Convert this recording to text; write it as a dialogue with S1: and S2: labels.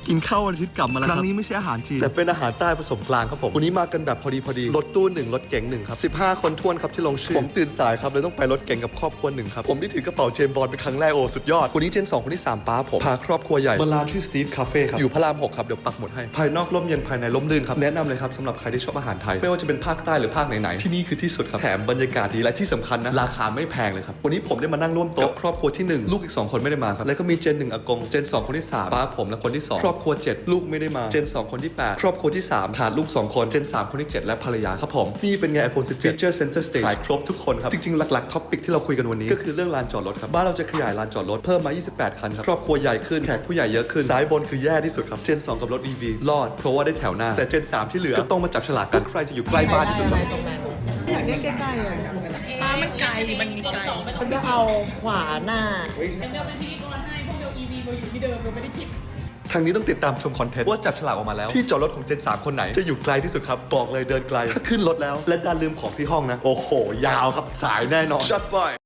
S1: กินข้าววันอาทิตย์กลับมาแล้วครั้งนี้ไม่ใช่อาหารจีนแต่เป็นอาหารใต้ผสมกลางครับผมวันนี้มากันแบบพอดีรถตู้1รถเก๋ง1ครับ15คนท้วนครับที่ลงชื่อผมตื่นสายครับเลยต้องไปรถเก๋งกับครอบครัว1ครับผมได้ถือกระเป๋าเจมส์บอนด์เป็นครั้งแรกโอ้สุดยอดวันนี้เจน2คนที่3ป้าผมพาครอบครัวใหญ่มาร้านชื่อสตีฟคาเฟ่ครับอยู่พระราม6ครับเดี๋ยวปักหมุดให้ภายนอกร่มเย็นภายในร่มรื่นครับแนะนำเลยครับสำหรับใครที่ชอบอาหารไทยไม่ว่าจะเป็นภาคใต้หรือภาคไหนๆที่นี่คือที่สุดครับแถมบรรยากาศดีและที่สำคัญนะราคาไม่แพงเลยครับวันนี้ผมได้มานั่งร่วมโต๊ะครอบครัวที่1ลูกอีก2คนไม่ได้มาครับแล้วก็มีเจน1อากงเจน2คนที่3ป้าผมและคนที่2ครอบครัว7ลูกไม่ได้มาเจน2คนที่8ครอบครัวที่3ขาดลูก2คนเจน3คนที่7และภรรยาครับผมนี่เป็นไง iPhone 17 Feature Center Stage ขายครบทุกคนครับจริงๆหลักๆท็อปิกที่เราคุยกันวันนี้ก็คือเรื่องลานจอดรถครับบ้านเราจะขยายลานจอดรถเพิ่มมา28คันครับครอบครัวใหญ่ขึ้นแขกผู้ใหญ่เยอะขึ้นซ้ายบนคือแย่ที่สุดครับเจน2กับรถ EV รอดเพราะว่าได้แถวหน้าแต่เจน3ที่เหลือก็ต้องมาจับฉลากกันใครจะอยู่ใกล้บ้านที่สุดครับ
S2: อยากได้ใกล้ๆอ่ะ
S3: ป้ามันไกลมันมีไกล
S2: มันจะเอาขวาหน้า
S3: เดี๋ยวเป็นพิธีกรให้พวกเบล EV เราอยู่ที่เดิมเราไม่ได้กิน
S1: ทางนี้ต้องติดตามชมคอนเทนต์ว่าจับฉลากออกมาแล้วที่จอดรถของเจน3คนไหนจะอยู่ไกลที่สุดครับบอกเลยเดินไกลถ้าขึ้นรถแล้วและดันลืมของที่ห้องนะโอ้โหยาวครับสายแน่นอนชัดไป